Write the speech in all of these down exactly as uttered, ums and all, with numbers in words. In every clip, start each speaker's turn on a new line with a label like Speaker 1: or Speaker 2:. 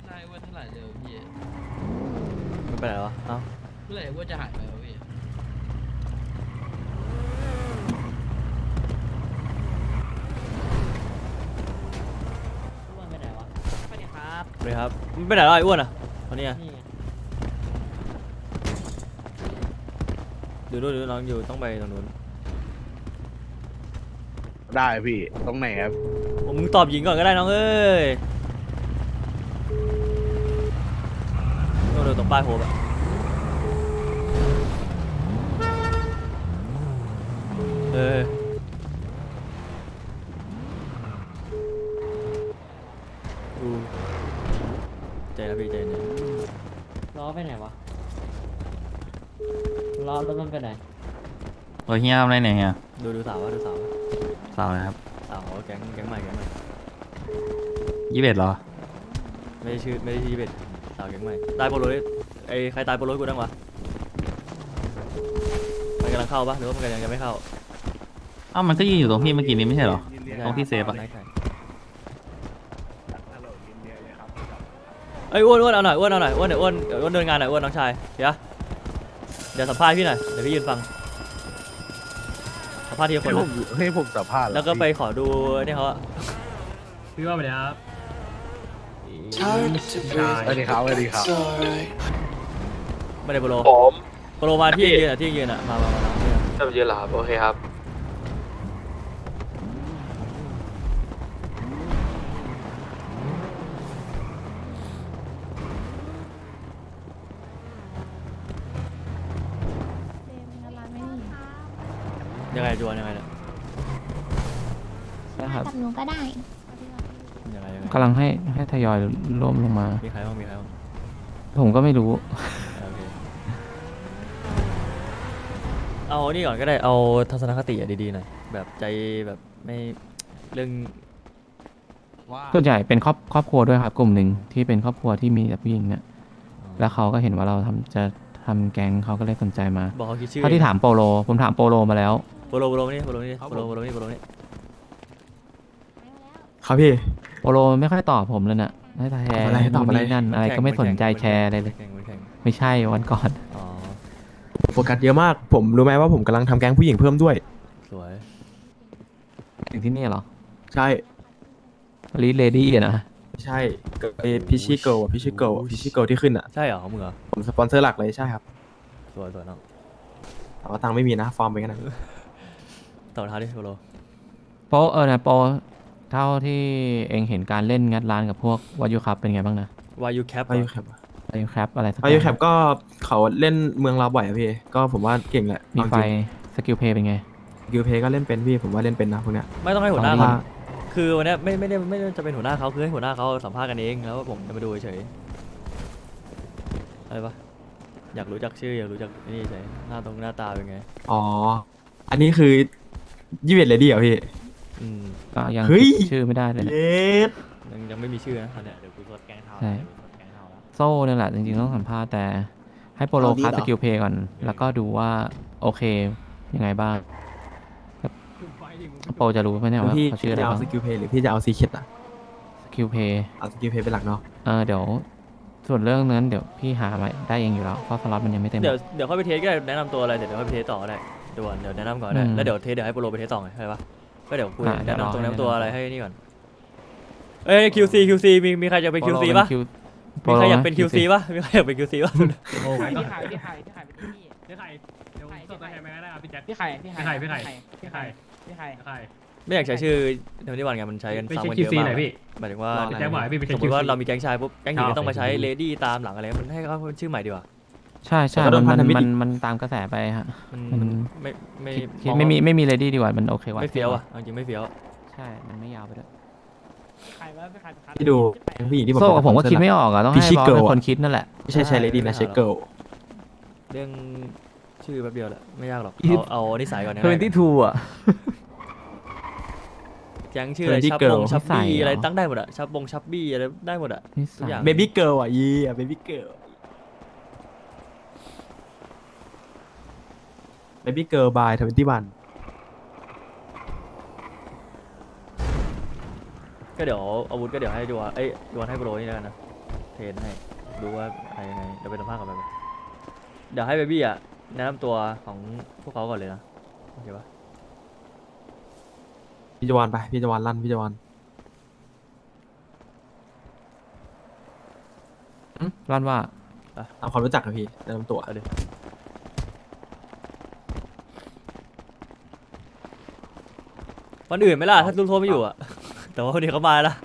Speaker 1: นายว่าเท่าไหร่เร็วพี่
Speaker 2: มันไปไหนวะเอ้า
Speaker 1: เมื่อไหร่ว่าจะหายไปวะพี่
Speaker 3: อ้วนไปไหนวะสวัสดีครับ
Speaker 2: สวัสดีครับมันไปไหนวะไอ้อ้วนอ่ะคนนี้อะ
Speaker 3: นี่ไง
Speaker 2: อยู่นู่นอยู่น้องอยู่ต้องไปตรงนู้น
Speaker 4: ได้พี่ตรงไหนครับ
Speaker 2: โอ้มึงตอบหญิงก่อนก็ได้น้องเอ้ยโน่นๆตรงป้ายโฮปอะเออดูใจนะพี่ใจเย็น
Speaker 3: ล้อไปไหนวะล้อรถมันไปไหน
Speaker 5: โอ้ยเฮียทำอะไรเนี่ยเฮีย
Speaker 2: ดูดูสาววะดูสาววะ
Speaker 5: สาวเลยครับ
Speaker 2: สาวแก๊งแก๊งใหม่แก๊งใหม่
Speaker 5: ยี่สิบเอ็ดเหรอ
Speaker 2: ไม่ได้ชื่อไม่ได้ชื่อยี่สิบเอ็ดสาวแก๊งใหม่ตายโปโลนี่ไอ้ใครตายโปโลให้กูดังวะมันกำลังเข้าปะหรือว่ามันกำลังยังไม่เข้า
Speaker 5: อ้าวมันก็ยืนอยู่ตรงพี่เมื่อกี้นี้ไม่ใช่เหรอ
Speaker 4: ยินดี
Speaker 5: ตรงที่เซฟอะ
Speaker 2: ไหนใคร
Speaker 4: ฮัลโหลยินดีเลยครับ
Speaker 2: เอ้ยอ้วนอ้วนเอาหน่อยอ้วนเอาหน่อยอ้วนเดี๋ยวอ้วนเดี๋ยวอ้วนเดินงานหน่อยอ้วนน้องชายเดี๋ยวเดี๋ยวสัมภาษณ์พี่หน่อยเดี๋ยวพี่ยืนฟังสัมภาษณ์ทีละค
Speaker 4: ให้
Speaker 2: น
Speaker 4: ผ
Speaker 2: นะ
Speaker 4: มให้ผมสัมภาษณ์เหรอ
Speaker 2: แล้วก็ไปขอดูเนี่ยเขาอะ
Speaker 6: พี่ว่าไปเลยครับ
Speaker 4: สวัสดีครับสวัสดีครับ
Speaker 2: ไม่ได้โปโล
Speaker 7: ผม
Speaker 2: โปโลมาที่ยืนอะที่ยืนอะมามามามาเนี่ย
Speaker 7: จะไปยืนเหรอครับ โอเคครับ
Speaker 2: ยังไงจวนยังไงเนี่ย
Speaker 8: นะครับกับหนูก็ได้
Speaker 2: ยังไงยังไง
Speaker 9: กำลังให้ให้ทยอยร่วมลงมา
Speaker 2: มีใครบ้างมีใครบ้าง
Speaker 9: ผมก็ไม่รู้
Speaker 2: โอเคเอานี่ก่อนก็ได้เอาทัศนคติอะดีๆหน่อยแบบใจแบบไม่เรื่อง
Speaker 4: ว่า
Speaker 9: ส่วนใหญ่เป็นครอบครอบครัวด้วยครับ กลุ่มหนึ่งที่เป็นครอบครัวที่มีแต่ผู้หญิงเนี่ย แล้วเขาก็เห็นว่าเราทำจะทำแก๊งเขาก็เลยสนใจมา
Speaker 2: บอกเขาคิดชื่อ
Speaker 9: เท่าที่ถามโปโล ผมถามโปโลมาแล้ว
Speaker 2: โปโลโปโลนี่โปโลนี่โปโลโปโลนี่โปโลนี่
Speaker 6: ครับพี่
Speaker 9: โปโลไม่ค่อยตอบผมเลยน่ะให้แชร์
Speaker 6: อะไรตอบอะไร
Speaker 9: นู่นนี่นั่นอะไรก็ไม่สนใจแชร์อะไรเลย
Speaker 2: แข่งแข่ง
Speaker 9: ไม่ใช่วันก่อน
Speaker 2: อ๋อ
Speaker 6: โฟกัสเยอะมาก ผมรู้ไหมว่าผมกำลังทำแก๊งผู้หญิงเพิ่มด้วย
Speaker 2: สวย
Speaker 9: ถึงที่นี่เหรอ
Speaker 6: ใช่
Speaker 9: ลีเลดี้อะนะ
Speaker 6: ไม่ใช่กับไอพิชิเกิลอะพิชิเกิลพิชิเกิลที่ขึ้นอ่ะ
Speaker 2: ใช่เหรอของมึงเหรอ
Speaker 6: ผมสปอนเซอร์หลักเลยใช่ครับ
Speaker 2: สวยสวยน้อง
Speaker 6: แต่ว่าตังค์ไม่มีนะ ฟอร์มไปกันนะ
Speaker 2: ต่อเท้าดิโปโล
Speaker 9: โปเออนะโปเท่าที่เองเห็นการเล่นงัดร้านกับพวกวายุครับเป็นไงบ้างนะ
Speaker 2: วายูแคป
Speaker 6: วายุแคป
Speaker 9: วายุครับอะไรสัก
Speaker 6: วายุแค
Speaker 9: อย่า
Speaker 6: ป
Speaker 9: ง
Speaker 6: ก็เขาเล่นเมืองเราบ่อยอะพี่ ก็ผมว่าเก่งแหละ
Speaker 9: มีไฟสกิลเพย์เป็นไง
Speaker 6: กิลเพย์ก็เล่นเป็นพี่ ผมว่าเล่นเป็นนะพวกเนี้ย
Speaker 2: ไม่ต้องให้หัวหน้า
Speaker 9: ตอน
Speaker 2: เขา
Speaker 9: นี้
Speaker 2: คือวันเนี้ยไม่ไม่ได้ไม่ได้จะเป็นหัวหน้าเขาคือให้หัวหน้าเขาสัมภาษณ์กันเองแล้วผมจะมาดูเฉยๆอะไรปะอยากรู้จักชื่ออยากรู้จักนี่เฉยหน้าตรงหน้าตาเป็นไง
Speaker 6: อ๋อ อันนี้คือยี่สิบเอ็ดเลยดีเหรอพี่
Speaker 2: อืม
Speaker 9: ก็ยัง
Speaker 6: เฮ้ย
Speaker 9: คิดชื่อไม่ได้เลย
Speaker 6: เย
Speaker 9: เนี่ย
Speaker 6: ส
Speaker 2: ยังยังไม่มีชื่อนะตอนเนี้ย
Speaker 1: เดี๋ยวกูสดแกงเทา
Speaker 9: ใช่
Speaker 1: เดี๋ยวกูสดแกงเทาแล้ว
Speaker 9: โซ่เนี่ยแหละจริงๆต้องสัมภาษณ์แต่ให้โปโลคัสสกิลเพย์ก่อน แล้วก็ดูว่าโอเคยังไงบ้างโปจะรู้ไหมเนี่ยว่า
Speaker 6: พี่
Speaker 9: เขาชื่ออะไร
Speaker 6: จะเอา
Speaker 9: บ้าง
Speaker 6: สกิลเพย์หรือพี่จะเอาซีเค็ดอ่ะ
Speaker 9: สกิลเพย์
Speaker 6: เอาสกิลเพย์เป็นหลักเนาะ
Speaker 9: เออเดี๋ยวส่วนเรื่องนั้นเดี๋ยวพี่หามาได้เองอยู่แล้วเพราะสล็อตมันยังไม่เต็ม
Speaker 2: เดี๋ยวเดี๋ยวค่อยไปเทสก็ได้แนะนำตัวอะไรเดี๋ยวเดี๋ยวค่อยไปเทสต่อก็ได้เดี๋ยวก่อนเดี๋ยวแนะนำก่อนก็ได้
Speaker 9: อืม
Speaker 2: แล้วเดี๋ยวเทสเดี๋ยวให้โปรไปเทสต่อไงใช่ปะก็เดี๋ยวคุย
Speaker 9: อ่ะเดี๋
Speaker 2: แนะ
Speaker 9: ยวรอ
Speaker 2: นำตรง
Speaker 9: ให้
Speaker 2: แนะนำตัว
Speaker 9: แนะนำ
Speaker 2: อะไรให้นี่ก่อนเอ้ย คิว ซี คิว ซี มีมีใครจะเป็น คิว ซี ปะ
Speaker 9: โป
Speaker 2: มี
Speaker 9: โล
Speaker 2: ใครอยาก
Speaker 9: นะ
Speaker 2: เป็น คิว ซี ปะมีใครอยากเป็น คิว ซี ปะ
Speaker 6: โอ้
Speaker 1: พี่ไข่พี่ไข่พี่ไข่เป็นพี่
Speaker 6: พี่ไข่เดี๋ยวสดตัวแทนไปก็ได้ครับพี่แจ็ค
Speaker 1: พี่ไข่พี่ไข่
Speaker 6: พี่ไข่
Speaker 1: พี่ไข่พี่ไข่
Speaker 6: ไข่
Speaker 2: ไม่อยากใช้ชื่อเดี๋ยวนี้วันไงมันใช้กัน
Speaker 6: ไป
Speaker 2: ซ้ำ
Speaker 6: เช็ค
Speaker 2: กัน
Speaker 6: คิ
Speaker 2: เยว อะ
Speaker 6: ซี
Speaker 2: มาก
Speaker 6: หน่อยพี่
Speaker 2: หมายถึงว่า
Speaker 6: รออะไร พี่แจ็คบอกให้พี่ไปเช็
Speaker 2: ส
Speaker 6: ค
Speaker 2: มมติว่า
Speaker 6: คิวซี
Speaker 2: เรามีแก๊งชายปุ๊บแก๊งหญิง
Speaker 6: อ่า
Speaker 2: ก็ต้องมาใช้
Speaker 6: โอเค
Speaker 2: เลดี้ตามหลังอะไรมันให้เขาเป็นชื่อใหม่ดีกว่า
Speaker 9: ใช่ใช่
Speaker 6: แล้วก็โด
Speaker 9: มัน น
Speaker 6: พันธ
Speaker 9: มัน
Speaker 6: มิตร
Speaker 9: มัน
Speaker 6: อีก
Speaker 9: มันตามกระแสไปฮะ
Speaker 2: มัน
Speaker 9: มัน
Speaker 2: ไม่ไม่
Speaker 9: คิดคิด
Speaker 2: อง
Speaker 9: ไม่มี
Speaker 2: ว่า
Speaker 9: ไม่มีเลดี้ดีกว่ามันโอเคกว่า
Speaker 2: ไม่เฟี้ยวอ่ะเอาจริงไม่เฟี้ยว
Speaker 9: ใช่มันไม่ยาวไปด้วย
Speaker 1: ไข่ว่าพี่ไข่พี่ไข่
Speaker 6: ที่ดูผู้หญิงที่ผม
Speaker 9: โซ่กับผมก็คิดไม่ออกอ่ะต้องให้
Speaker 6: พิชิ
Speaker 9: บอส
Speaker 6: เกิล
Speaker 9: เป็น
Speaker 6: อะ
Speaker 9: คนคิดนั่นแหละ
Speaker 6: ไม่ใช่ใช้เลดี้นะใช้เกิล
Speaker 2: เรื่องชื่อแป๊บเดียวแหละไม่ยากหรอก
Speaker 9: อี
Speaker 2: เอาเอานิสัยก่อนนะ
Speaker 9: ทเวนตี้ทูอ่ะ
Speaker 2: แก๊งชื่ออะไร
Speaker 6: Twenty
Speaker 2: ชับ
Speaker 6: Girl
Speaker 2: บงชับ
Speaker 9: นิสัย
Speaker 2: บี้
Speaker 9: เหรออ
Speaker 2: อะไรตั้งได้หมดอะชับบงชับบี้อะไรได้หมดอะ
Speaker 9: นิ
Speaker 2: ทุ
Speaker 9: สั
Speaker 2: ก
Speaker 9: ย
Speaker 2: อย่าง
Speaker 6: เบบี้เกิลอ่ะยีอ่ะเบบี้เกิลเบบี้เกิลบายทเวนตี้วัน
Speaker 2: ก็เดี๋ยวอาวุธก็เดี๋ยวให้ดูว่าเอ้ยดูให้โปรนี่แล้วกันนะเทรนให้ดูว่าอะไรยังไงเดี๋ยวไปสัมภาษณ์กับมันเดี๋ยวให้เบบี้อ่ะแนะนำตัวของพวกเขาก่อนเลยนะโอเคปะ
Speaker 6: พี่จวานไปพี่จวานลั่นพี่จวาน
Speaker 9: อืมร้านว่า
Speaker 6: ตามความรู้จักกับพี่แนะนำตัว
Speaker 2: เอาดิวันอื่นไหมล่ะถ้าลูกโซ่ไม่อยู่อ่ะ แต่ว่าวันนี้เขามาแล้ว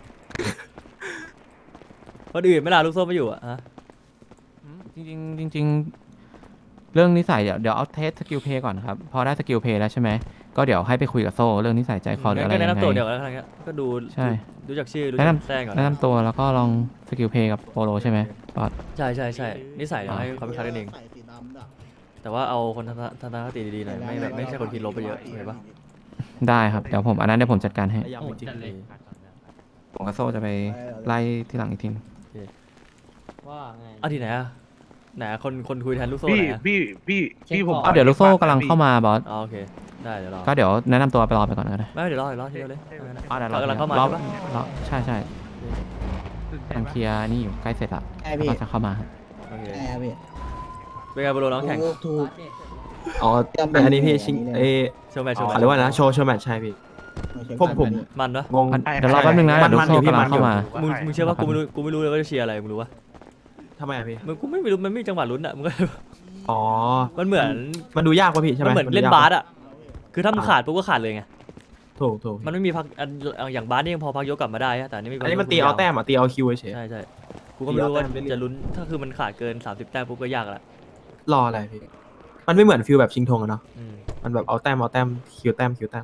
Speaker 2: วันอื่นไหมล่ะลูกโซ่ไม่อยู่อ่ะฮะ
Speaker 9: จริงๆจริงๆเรื่องนิสัยเดี๋ยวเดี๋ยวเอาเทสสกิลเพย์ก่อนครับพอได้สกิลเพย์แล้วใช่ไหมก็เดี๋ยวให้ไปคุยกับโซ่เรื่องนิสัยใจคอหรืออะไร
Speaker 2: ก็แนะ
Speaker 9: ยังไง
Speaker 2: นำตัวเดี๋ยวแล้วกันก็ดู
Speaker 9: ใช่
Speaker 2: รู้จักชื่อรู้
Speaker 9: แนะ
Speaker 2: จัก
Speaker 9: นำ
Speaker 2: แจ้งก่อน
Speaker 9: แนะนำตัวแล้วก็ลองสกิลเพย์กับโปโลใช่ไหมบอส
Speaker 2: ใช่ใช่ใช่นิสัยเราให้เขาไปคัดกันเอง
Speaker 4: ใส่สีดำด่ะ
Speaker 2: แต่ว่าเอาคนทัศนคติดีๆหน่อยไม่แบบไม่ใช่คนคิดลบไปเยอะเห็นปะ
Speaker 9: ได้ครับเดี๋ยวผมอันนั้นเดี๋ยวผมจัดการให้
Speaker 6: พยายามจริง
Speaker 1: จัดเลย
Speaker 9: ผมกับโซ่จะไปไล่ที่หลังอีกที
Speaker 3: ว่าไง
Speaker 2: เอาที่ไหนอะไหนอะคนคนคุยแทนลูกโซ่
Speaker 7: พี่
Speaker 2: ไหนอะ
Speaker 7: พี่พี่พี่ผม
Speaker 9: เอาเดี๋ยวลูกโซ่กำลังเข้ามาบอส
Speaker 2: อ๋อโอเคได้เดี๋ยวรอ
Speaker 9: ก็เดี๋ยวแนะนำตัวไปรอไปก่อนก็ได้
Speaker 2: ไม่เดี๋ยวรอเดี๋ยวรอทีเดียวเลย
Speaker 9: อ๋อเดี๋ยวร
Speaker 2: เขากำลังเข้ามา
Speaker 9: รอ
Speaker 2: ใช่ปะ
Speaker 9: รอใช่ใช่กำลังเคลียร์นี่อยู่ใกล้เสร็จละ
Speaker 4: แอร์พี่
Speaker 9: ก็จะเข้ามา
Speaker 2: โอเค
Speaker 4: แอร์พี่
Speaker 2: เป็นไงโปรโลน้องแข่ง
Speaker 4: ถูกถูก
Speaker 6: อ๋อแต่อันนี้พี่ชิงเอ
Speaker 2: โชว์แมตช์โชว์แมต
Speaker 6: เขา
Speaker 2: ช์
Speaker 6: เรียกว่านะโชว์โชว์แมตช์ใช่พี่ ผมผม
Speaker 2: มันปะ
Speaker 6: งง
Speaker 9: อันเดี๋ยวรอแป๊บนึงนะ
Speaker 6: มั
Speaker 9: เดี๋ยวน ลูกโซ่
Speaker 6: มันอยู่
Speaker 9: กำลัง
Speaker 6: พี่
Speaker 9: เข้ามา
Speaker 2: มึงมึงเชื่อว่ากูไม่รู้กูไม่รู้เลยว่าจะเชียร์อะไรมึงรู้ปะ
Speaker 6: ทำไมอะพี่
Speaker 2: มึงกูไม่รู้มันไม่มีจังหวะลุ้นอะมึงก็
Speaker 6: อ๋อ
Speaker 2: มันเหมือน
Speaker 6: มันดูยากป่ะพี่ใช่ไหม
Speaker 2: มันเหมือน
Speaker 6: ดู
Speaker 2: เล่น
Speaker 6: ยาก
Speaker 2: บา
Speaker 6: ปะ
Speaker 2: สอะคือถ้ามึงขาดปุ๊บก็ขาดเลยไง
Speaker 6: ถูกถูก
Speaker 2: มันไม่มีพักอันอย่างบาสนี่ยังพอพักยกกลับมาได้อะแต่อันนี้ไม่
Speaker 6: อันนี้มันตีเอาแต้มอ่ะตีเอาคิวเฉย
Speaker 2: ใช่ใช่กูก็ไม่รู้ว่า
Speaker 6: ตีเอาแต้มไปเรื่อย
Speaker 2: จะลุ้นถ้าคือมันขาดเกินสามสิบแต้มปุ๊บก็ยากละ
Speaker 6: รออะไรพี่มันไม่เหมือนฟิลแบบชิงธงอะเนาะ
Speaker 2: อืม
Speaker 6: มันแบบเอาแต้มเอาแต้มคิวแต้มคิวแต้ม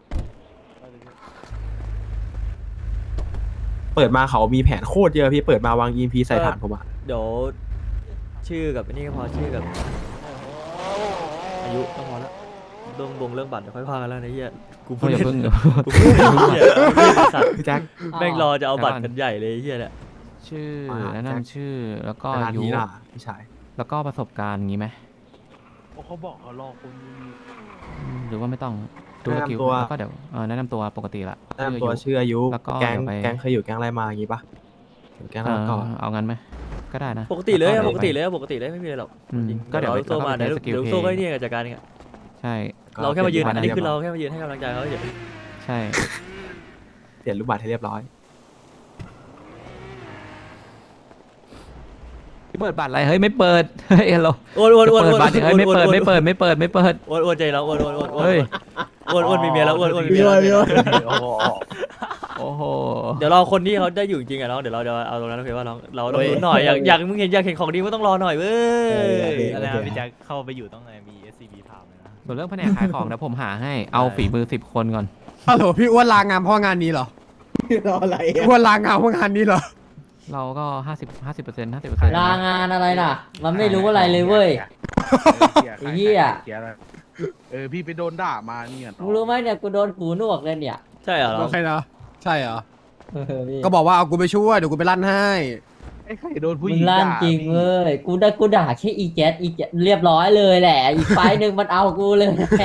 Speaker 6: เปิดมาเขามีแผนโคตรเยอะพี่เปิดมาวาง อี เอ็ม พี ใส่ฐานผมอะ
Speaker 2: เดี๋ยวชื่อกับอันนี้ก็พอชื่อกับ อายุก็พอแล้วเรื่องบงเรื่องบัตรเดี๋ยวค่อยพากันแล้วนะเฮียกูพูด
Speaker 9: อย่า
Speaker 2: เล่น
Speaker 9: เพิ่ง
Speaker 2: กูพูดเล่นเฮียสัตว์
Speaker 6: พี่แจ็ค
Speaker 2: แม่งรอจะเอาบัตรกันใหญ่เลยเฮียเนี่ย
Speaker 9: ชื่อ
Speaker 6: อ่า
Speaker 9: แนะนำชื่อแล้วก็
Speaker 6: ขนาด
Speaker 9: อายุ
Speaker 6: นี้ล่ะพี่ชาย
Speaker 9: แล้วก็ประสบการณ์งี้ไหม
Speaker 7: เขาบอกเขารอคุณ
Speaker 9: อืมหรือว่าไม่ต้องดูสกิลแล้วก็เดี๋ยวเออแนะนำตัวปกติละ
Speaker 6: แนะนำตัว
Speaker 9: ชื่ออายุ
Speaker 6: ชื่ออายุ
Speaker 9: แล้วก็
Speaker 6: แก๊ง
Speaker 9: เดี๋ยวไป
Speaker 6: แก๊งเคยอยู่แก๊งอะไรมาอย่างงี้ปะอยู่แก๊ง
Speaker 9: เอ
Speaker 6: อะไร
Speaker 9: อ
Speaker 6: มาก่อน
Speaker 9: เอางั้นไหมก็ได้นะ
Speaker 2: ปกติเลยอะ
Speaker 9: แว
Speaker 2: ปกติเลยอะปกติเลยไม่มีอะไรหรอก
Speaker 9: อืม
Speaker 2: จริง
Speaker 9: ก็เดี๋ยว
Speaker 2: รอลูกโซ่มา
Speaker 9: แล้วก็
Speaker 2: เดี๋ยว
Speaker 9: ไปสกิล
Speaker 2: เดี๋ยวลูก
Speaker 9: เพลย์
Speaker 2: โซ่ก็เนี่ยจัดการเองอะ
Speaker 9: ใช่
Speaker 2: เราแค่มายืน
Speaker 6: เปลี่
Speaker 2: อันนี้คือ
Speaker 6: ย
Speaker 2: เรา
Speaker 6: รูปบัต
Speaker 2: แค่มายืนให้กำลังใจเขาเฉย
Speaker 9: ใช่
Speaker 6: เปลี่ยนรูปบัตรให้เรียบร้อย
Speaker 9: เปิดบัตรอะไรเฮ้ยไม่เปิดเฮ้ยเรา
Speaker 2: โอนโอนโอน
Speaker 9: เปิ
Speaker 2: โอ
Speaker 9: ด
Speaker 2: น
Speaker 9: บัตรเฮ้ยไม่เปิดไม่เปิดไม่เปิดไม่เปิด
Speaker 2: โอนโอนใจเราโอนโอนโอนโอน
Speaker 9: เฮ้ย
Speaker 2: โอนโอนมีเมียแล้วโอนโอนมี
Speaker 4: พี่
Speaker 2: เมีย
Speaker 4: ว่า
Speaker 2: แล้ว
Speaker 4: พี่ว่า
Speaker 7: โอ้โห
Speaker 9: โอ้โห
Speaker 2: เดี๋ยวเราคนที่เขาได้อยู่จริงอะน้องเดี๋ยวเราจะเอาตรงนั้นโอเคว่าน้องเราต้องลุ้นหน่อยอยากอยากมึงเห็นอยากเห็นของดีก็ต้องรอหน่อยเว้ย
Speaker 1: อะไรนะพี่แจ็คเข้าไปอยู่ต้องไงมี เอส ซี บี พามเลยนะ
Speaker 9: ส่วนเรื่องแผนกขายของนะผมหาให้เอาฝีมือสิบคนก่อน
Speaker 8: ฮัลโหลพี่อ้วนลางานเพราะงานนี้เหรอ
Speaker 4: รออะไร
Speaker 8: พี่
Speaker 4: อะ
Speaker 8: อ้วนลางานเพราะงานนี้เหรอ
Speaker 9: เราก็ห้าสิบห้าสิบเปอร์เซ็นต์ห้าสิบเปอร์เซ็นต์
Speaker 3: ลางานอะไรน่ะ มันไม่รู้อะไรเลยเว้ย ไอ้เหี้ย
Speaker 7: เออพี่ไปโดนด่ามาเนี่ย
Speaker 3: มึงรู้ไหมเนี่ยกูโดนหูหนวกเลยเนี่ย
Speaker 2: ใช่เหรอน้
Speaker 8: โอ
Speaker 2: อง
Speaker 8: เคนะใช่เหรอ
Speaker 3: เออพี่
Speaker 8: ก็บอกว่าเอากูไปช่วยเดี๋ยวกูไปลั่นให้
Speaker 7: ไอ้ใครโดนผู้ห
Speaker 3: มึ
Speaker 7: ญิ
Speaker 3: ง
Speaker 7: ง
Speaker 3: ลั่น
Speaker 7: ด่า
Speaker 3: จริงเว้ยกูได้กูด่าแค่อีแจ๊ดอีแจ๊ดเรียบร้อยเลยแหละ อีกไฟล์หนึ่งมันเอากูเลยแหละ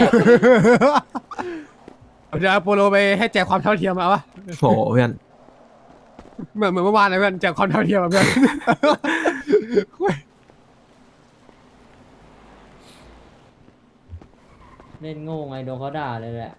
Speaker 8: เดี๋ยวโปโลไปให้แจกความเท่าเทียมมาวะ
Speaker 6: โหเพื่อน
Speaker 8: เหมือนเหมือนเมื่อวานนะเพื่อนแจกความเท่าเทียมอะเพื่อน
Speaker 3: เล่นโง่ไงโดนเขาด่าเลยแหละ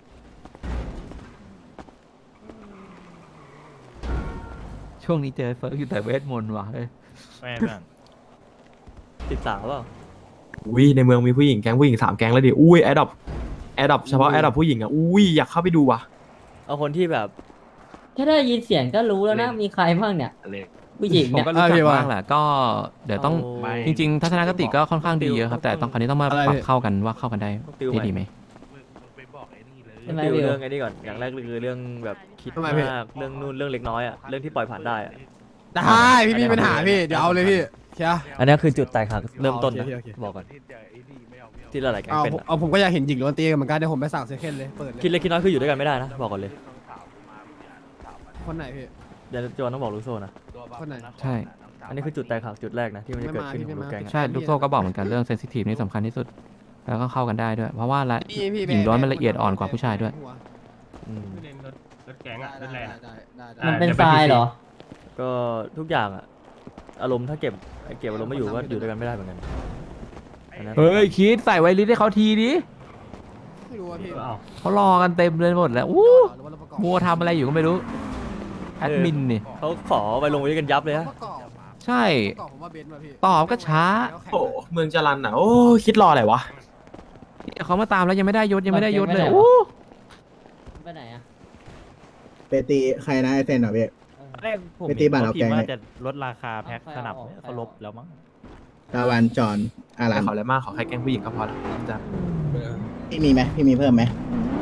Speaker 9: ช่วงนี้เจอเฟิร์กอยู่แต่เวทมนต์ว่ะเฮ้ย
Speaker 1: ไม่เพื่อน
Speaker 2: ติดสาวเปล่า
Speaker 6: อุ้ยในเมืองมีผู้หญิงแก๊งผู้หญิงสามแก๊งแล้วดิอุ้ยแอดดอปแอดดอปเฉพาะแอดดอปผู้หญิงอ่ะอุ้ยอยากเข้าไปดูว่ะ
Speaker 2: เอาคนที่แบบ
Speaker 3: แค่ได้ยินเสียงก็รู้แล้วนะ มีใครบ้างเนี่ย
Speaker 7: อะไร
Speaker 3: ผู้หญิง
Speaker 9: ผม
Speaker 3: เนี่ย
Speaker 9: ก็รู้จั
Speaker 8: อ่ะพี่
Speaker 9: ก
Speaker 8: ว่า
Speaker 9: บ้างแหละก็เดี๋ยวต้อง
Speaker 2: ไม่
Speaker 9: จริง ๆ ทัศนคติก็ค่อนข้างดีเยอะครับ แต่ต้องคราวนี้ต้องมา
Speaker 8: อะไร
Speaker 9: ปรับ
Speaker 8: พี่
Speaker 9: เข้ากันว่าเข้ากันได้
Speaker 2: ต้องติวใหม่
Speaker 9: ดีดีไหม
Speaker 7: มึงมึงไปบอกไอ้นี่เลย
Speaker 3: ใช่ไหม
Speaker 2: ติว
Speaker 3: วิว
Speaker 2: เรื่องไอ้นี่ก่อนอย่างแรกเลยคือเรื่องแบบคิด
Speaker 8: ทำไมพี่
Speaker 2: มากเรื่องนู่นเรื่องเล็กน้อยอะเรื่องที่ปล่อยผ่านได้อะ
Speaker 8: ได้พี่มีปัญหาพี่เดี๋ยวเอาเลยพี่เชียร์
Speaker 2: อันนี้คือจุดแตกหักเริ่มต้นนะ
Speaker 8: โอเคโอเค
Speaker 2: บอกก่อน
Speaker 7: ที่เจอไอ้นี่ไม่เอาไม่เอา
Speaker 2: ที่หลายๆแก๊ง
Speaker 8: เอา
Speaker 2: เป็น
Speaker 8: ผม
Speaker 2: อะ
Speaker 8: เอาผมก็อยากเห็นหญิงล้วนตีกันเหมือนกันเดี๋ยวผมไปสั่งเซเคนเลยเปิดเลย
Speaker 2: คิดเล็กคิดน้อยคืออยู่ด้วยกันไม่ได้นะบอกก่อนเลย
Speaker 8: คนไหนพี่
Speaker 2: เดี๋ยวโจนต้องบอกลูกโซ่นะ
Speaker 8: คนไหน
Speaker 9: ใช่
Speaker 2: อันนี้คือจุดแตกหักจุดแรกนะที่มันจะเกิดขึ้นของลูกแก๊งอะ
Speaker 9: ใช่ลูกโซ่ก็บอกเหมือนกันเรื่องเซนซิทีฟนี่สำคัญที่สุด แล้วก็เข้ากันได้ด้วย เพราะว่าละ
Speaker 8: พี่พี่
Speaker 9: หญิงล้วนมันละเอียดอ่อนกว่าผู้ชายด้วย
Speaker 2: อืม
Speaker 1: รถแก๊งอะรถแรง
Speaker 8: ได้ได้ได้
Speaker 3: มันเป็นทรายเหรอ
Speaker 2: ก็ทุกอย่างอะอารมณ์ถ้าเก็บเก็บอารมณ์ไม่อยู่ก็อยู่ด้วยกันไม่ได้เหมือนกันอันนั้น
Speaker 9: เฮ้ยคิดใส่ไวลิสให้เขาทีดิ
Speaker 8: ไม่รู้ว่าพี่
Speaker 9: เขารอกันเต็มเลยหมดแล้วอู้มัวทำอะไรอยู่ก็ไม่รู้แอดมินนี่
Speaker 2: เขาขอไปลงไว้กันยับเลยฮะ
Speaker 8: ประกอบ
Speaker 9: ใช่
Speaker 8: ประกอบผมว่าเบนซ์มาพี่
Speaker 9: ตอบก็ช้า
Speaker 6: โอ้เมืองจรันอ่ะโอ้คิดรออะไรวะ
Speaker 9: เขามาตามแล้วยังไม่ได้ยศยังไม่ได้ยศเลย
Speaker 3: ไปไหนวะ
Speaker 9: อู้
Speaker 3: ไปไหนอ่ะ
Speaker 4: ไปตีใครนะไอเซนเหรอพี่
Speaker 1: แรกผม
Speaker 4: ไปตี
Speaker 1: เห็น
Speaker 4: บัตร
Speaker 1: เขา
Speaker 4: เอา
Speaker 1: พิม
Speaker 4: แกง
Speaker 1: พ์ว่า
Speaker 4: เลย
Speaker 1: จะลดราคาแพ็ค
Speaker 3: เอาใคร
Speaker 1: สนับ
Speaker 3: เอาออก
Speaker 1: เนี่ย
Speaker 3: ใคร
Speaker 1: เขา
Speaker 3: เอา
Speaker 1: ลบแล้วมั้ง
Speaker 4: ตะวันจอนอารั
Speaker 6: ไม่
Speaker 4: น
Speaker 6: ขออะไรมากขอแค่แกล้งผู้หญิงก็พอแล้วจะ
Speaker 4: พี่มีไหมพี่มีเพิ่มไหม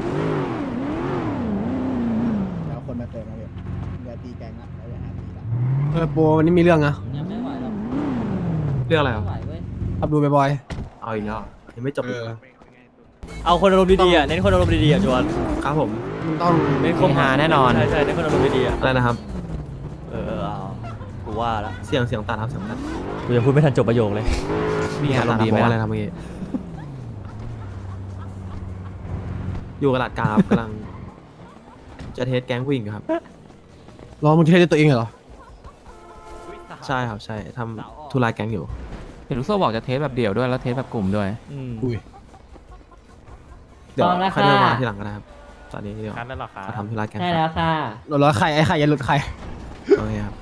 Speaker 4: แล้วคนมาเติมมาพี่เดี๋ยวตีแกงละแล้วเดี๋ยวหาตีละ
Speaker 8: เออโปรวันนี้มีเรื่องนะ
Speaker 3: ยังไม่ไหวหรอก
Speaker 6: เรื่องอะไร
Speaker 3: ไม่
Speaker 6: อ่ะ
Speaker 3: ไหวเว้ย
Speaker 8: อับดูบ่อย
Speaker 6: เอาอีกแล้วยังไม่จบอีก
Speaker 2: เอาคนอารมณ์ดีๆอ่ะเน้นคนอารมณ์ดีๆอ่ะจวน
Speaker 6: ครับผม
Speaker 8: ๆมันต้อง
Speaker 2: เน้นค
Speaker 9: คงหาแน่นอน
Speaker 2: ใช่ใช่เน้นคนอารมณ์ดีๆอ่ะ
Speaker 6: อะไรนะครับ
Speaker 2: เออเออเอากูว่าละ
Speaker 6: เสียงเสียงตัดครับเสียงตัด
Speaker 2: กูยังพูดไม่ทันจบประโยคเลย
Speaker 9: มีอารมณ์ดีไหม
Speaker 6: อะไร
Speaker 9: ล่ะ
Speaker 6: นะเมื่อกี้อยู่กับหลาดกาครับกำลัง จะเทสแก๊งผู้หญิงอยู่ครับ
Speaker 8: รอมึงเทสด้วยตัวเองเหรอ
Speaker 6: ใช่ครับใช่ทำธุระแก๊งอยู่
Speaker 9: เห็นลูกโซ่บอกจะเทสแบบเดี่ยวด้วยแล้วเทสแบบกลุ่มด้วย
Speaker 2: อืม
Speaker 8: อุ้ย
Speaker 6: เดี๋ยว
Speaker 3: พร้อมแล้ว
Speaker 6: ค่อยเดินมา
Speaker 3: ค่ะ
Speaker 6: ทีหลังก็ได้ครับตอนนี้เดี๋ยว
Speaker 1: คันแล้วเหรอครับ
Speaker 6: เขาทำธุระแก๊ง
Speaker 3: ใช่
Speaker 6: ค
Speaker 3: แล้
Speaker 6: รับ
Speaker 3: วค่ะ
Speaker 8: หลุดร้อยใครไอ้ใครอย่าหลุดใคร
Speaker 6: โอเคครับ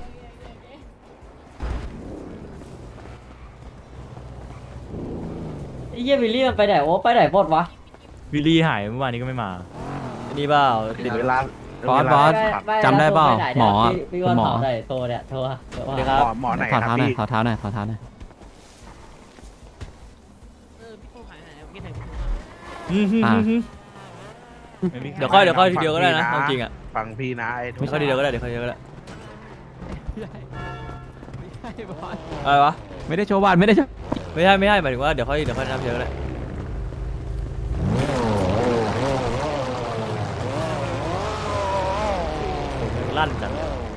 Speaker 3: ไอ้เหี้ยวิลลี่มันไปไหนโอ้ไปไหนหมดวะ
Speaker 1: วิลลี่หายเมื่อวานนี้ก็ไม่มา
Speaker 2: อันนี้เปล่าติด
Speaker 7: เวลา
Speaker 9: บอสบอส
Speaker 3: ไม่
Speaker 9: จำได้เปล่า
Speaker 3: ม่
Speaker 9: หมอ
Speaker 3: พี่พี่วัน
Speaker 9: หมอ
Speaker 3: เผาไหนโทรเนี่ยโทรอะโทร
Speaker 2: สวัสดี
Speaker 3: อะ
Speaker 2: ครับ
Speaker 7: หมอหมอไหน
Speaker 9: ขอ
Speaker 7: ครั
Speaker 9: เท้า
Speaker 7: บ
Speaker 9: หน่อย
Speaker 7: พี่
Speaker 9: ขอเท้าหน่อยขอเท้าหน่อย
Speaker 2: อืมฮึ่ม
Speaker 9: อ่า
Speaker 2: ฮึ่มฮึ่ม
Speaker 1: ไม่มีใคร
Speaker 2: เดี๋ยวค่อยเดี๋ยวค่อย
Speaker 1: ฟัง
Speaker 2: เดียวก็ได้นะ
Speaker 1: พี่
Speaker 2: เอาจริงอ่ะ
Speaker 7: ฟังพี่นะไอ้
Speaker 2: ไม่ค่อยดีเดียวก็ได้เดี๋ยวค่อยเดียวก็ได้อะไรวะ
Speaker 9: ไม่ได้โชว์บ้านไม่ได้โชว์
Speaker 2: ไม่ใช่ไม่ใช่หมายถึงว่าเดี๋ยวค่อยเดี๋ยวค่อยนับเดียวก็ได้ลั่นจัง